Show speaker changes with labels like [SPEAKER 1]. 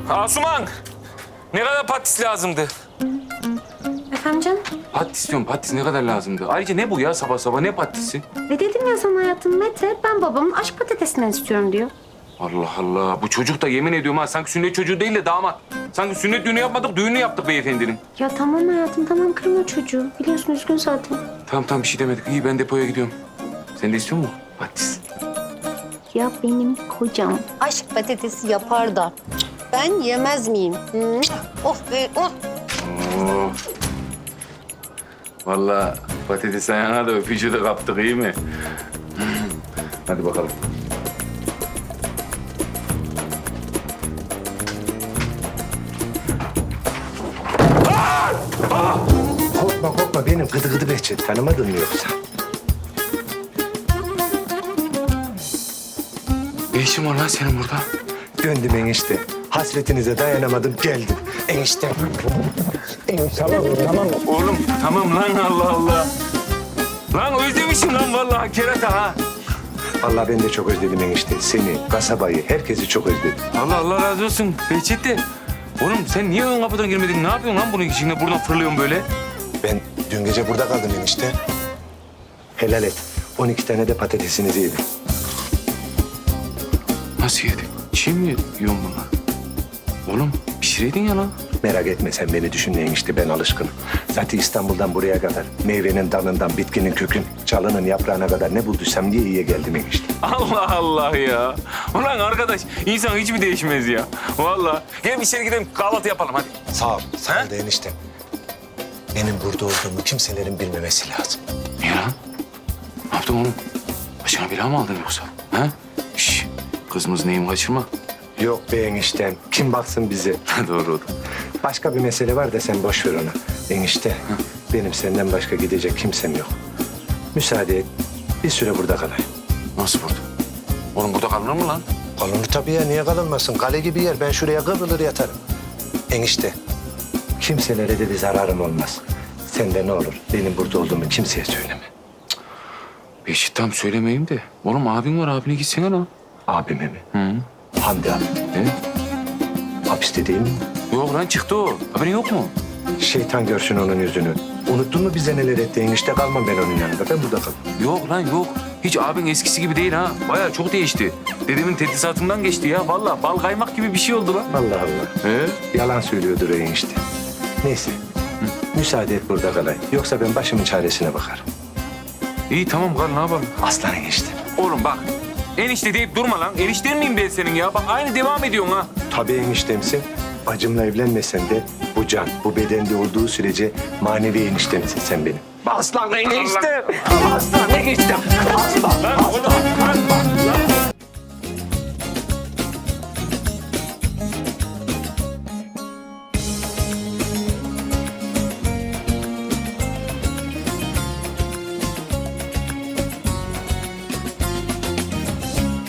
[SPEAKER 1] Asuman! Ne kadar patis lazımdı?
[SPEAKER 2] Efendim canım?
[SPEAKER 1] Patis diyorum, patis ne kadar lazımdı? Ayrıca ne bu ya sabah sabah, ne patisi?
[SPEAKER 2] Ne dedim ya sana hayatım Mete? Ben babamın aşk patatesinden istiyorum diyor.
[SPEAKER 1] Allah Allah, bu çocuk da yemin ediyorum ha, sanki sünnet çocuğu değil de damat. Sanki sünnet düğünü yapmadık, düğünü yaptık beyefendinin.
[SPEAKER 2] Ya tamam hayatım tamam kırma çocuğu. Biliyorsun üzgün zaten.
[SPEAKER 1] Tamam bir şey demedik. İyi, ben depoya gidiyorum. Sen de istiyor musun patis?
[SPEAKER 2] Ya benim kocam.
[SPEAKER 3] Aşk patatesi yapar da ben yemez miyim? Oh be oh.
[SPEAKER 1] Oo. Vallahi patates ayağına da öpücüğü de kaptık, iyi mi? Hadi bakalım.
[SPEAKER 4] Korkma benim gıdı gıdı Behçet. Tanımadın mı yoksa?
[SPEAKER 1] Ne işin var lan senin burada?
[SPEAKER 4] Döndüm enişte. Hasretinize dayanamadım geldim. Enişte. Enişte tamam.
[SPEAKER 1] Oğlum tamam lan, Allah Allah. Lan özlemişim lan vallahi kerata ha.
[SPEAKER 4] Vallahi ben de çok özledim enişte. Seni, kasabayı, herkesi çok özledim.
[SPEAKER 1] Allah razı olsun Behçet de. Oğlum sen niye ön kapıdan girmedin? Ne yapıyorsun lan bunun içinde? Buradan fırlıyorsun böyle.
[SPEAKER 4] Ben dün gece burada kaldım enişte. Helal et. 12 tane de patatesinizi yedim.
[SPEAKER 1] Nasıl yedin? Çiğ mi yiyorsun bunlar? Oğlum pişireydin ya lan.
[SPEAKER 4] Merak etme sen beni düşünme enişte, ben alışkınım. Zaten İstanbul'dan buraya kadar meyvenin dalından, bitkinin kökün, çalının yaprağına kadar ne bulduysam diye iyiye geldim enişte.
[SPEAKER 1] Allah Allah ya. Ulan arkadaş, insan hiç mi değişmez ya? Vallahi. Gel içeri gidelim, kahvaltı yapalım hadi.
[SPEAKER 4] Sağ ol da enişte. Benim burada olduğumu kimselerin bilmemesi lazım.
[SPEAKER 1] Niye lan? Ne yaptın oğlum? Başına bela mı aldın yoksa? Ha? Şş, kızımız neyim kaçırma.
[SPEAKER 4] Yok be eniştem, kim baksın bize?
[SPEAKER 1] Doğru oldu.
[SPEAKER 4] Başka bir mesele var da sen boş ver ona. Enişte, benim senden başka gidecek kimsem yok. Müsaade et, bir süre burada kalayım.
[SPEAKER 1] Nasıl burada? Oğlum burada kalınır mı lan?
[SPEAKER 4] Kalınır tabii ya, niye kalınmasın? Kale gibi yer, ben şuraya kıvrılır yatarım. Enişte, kimselere de bir zararım olmaz. Sen de ne olur, benim burada olduğumu kimseye söyleme.
[SPEAKER 1] Beşik tam söylemeyeyim de. Oğlum abin var, abine gitsene lan.
[SPEAKER 4] Abime mi?
[SPEAKER 1] Hı.
[SPEAKER 4] Hamdi abi,
[SPEAKER 1] Ne?
[SPEAKER 4] hapiste değil mi?
[SPEAKER 1] Yok lan çıktı o. Haberin yok mu?
[SPEAKER 4] Şeytan görsün onun yüzünü. Unuttun mu bize neler etti enişte? Kalmam ben onun yanında, ben burada kalayım.
[SPEAKER 1] Yok lan yok. Hiç abin eskisi gibi değil ha. Bayağı çok değişti. Dedemin tedrisatından geçti ya. Vallahi bal kaymak gibi bir şey oldu lan.
[SPEAKER 4] Allah Allah. Yalan söylüyordur o enişte. Neyse. Müsaade et burada kalayım. Yoksa ben başımın çaresine bakarım.
[SPEAKER 1] İyi tamam kal, ne yapalım?
[SPEAKER 4] Aslan enişte.
[SPEAKER 1] Oğlum bak. Enişte deyip durma lan. Enişten miyim ben senin ya? Bak aynı devam ediyorsun ha.
[SPEAKER 4] Tabii eniştemsin. Bacımla evlenmesen de bu can, bu bedende olduğu sürece manevi eniştemsin sen benim. Aslan enişte! Aslan enişte! Aslan!
[SPEAKER 1] Lan oğlum. Lan.